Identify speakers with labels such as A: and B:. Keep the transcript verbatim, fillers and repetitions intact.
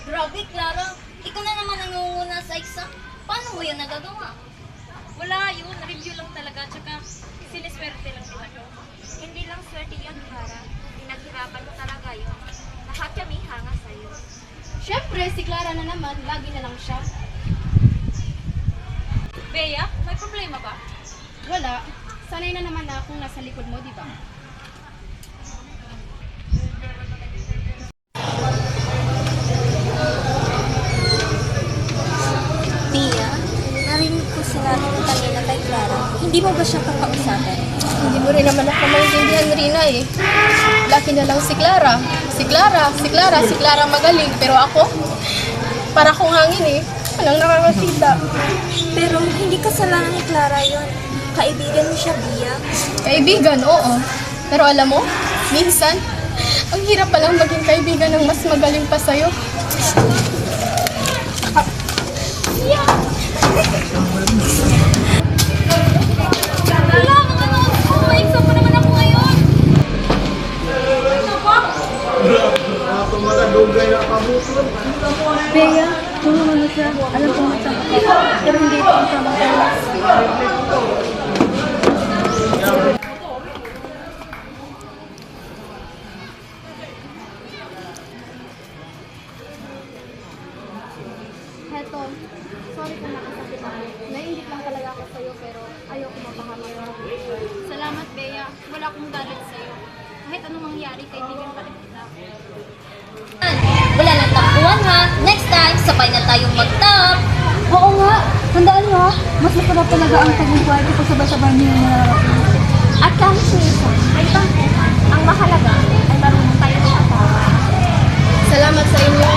A: Grabe, Clara. Ikaw na naman ang nangunguna sa exam. Paano mo yan nagagawa?
B: Wala yun, review lang talaga, tsaka siniswerte lang din ako. Hindi lang swerte yun, Clara. Pinaghirapan ko talaga yun. Lahat kami hanga sa'yo.
C: Siyempre, si Clara na naman, lagi na lang siya.
B: Bea, may problema ba?
C: Wala. Sanay na naman na akong nasa likod mo, di ba?
A: Pia, narinig ko sinabi mo kanina kay Clara. Hindi mo ba siya kakausapin?
C: Hindi mo rin naman ako maintindihan, Rina eh. Laki na lang si Clara. Si Clara, si Clara, si Clara magaling. Pero ako, para kong hangin eh. Walang nakakasita.
A: Pero hindi kasalanan ni Clara yon. Kaibigan mo siya, Bia.
C: Kaibigan, oo. Pero alam mo, minsan, ang hirap palang maging kaibigan ng mas magaling pa sa'yo.
B: Wala, mga notes ko! May exam pa naman ako ngayon!
D: Bea, tulungan mo siya. Alam ko masama ka. Pero hindi ito ang tamang oras.
C: Heto, sorry kung nakasakit ako. Naiingit lang talaga ako sa'yo pero ayoko mapahama ka.
D: Salamat, Bea. Wala akong galit sa'yo. Kahit anong mangyari, kaibigan pa rin kita.
A: Wala nang takbuhan ha. Next time, sabay na tayong mag-top.
D: Oo nga. Tandaan mo, mas masarap talaga ang tagumpay kapag sabay-sabay niyo na nararating.
B: At kahit minsan, ay tampuhan, ang mahalaga ay marunong tayo ng asawa.
C: Salamat sa inyo.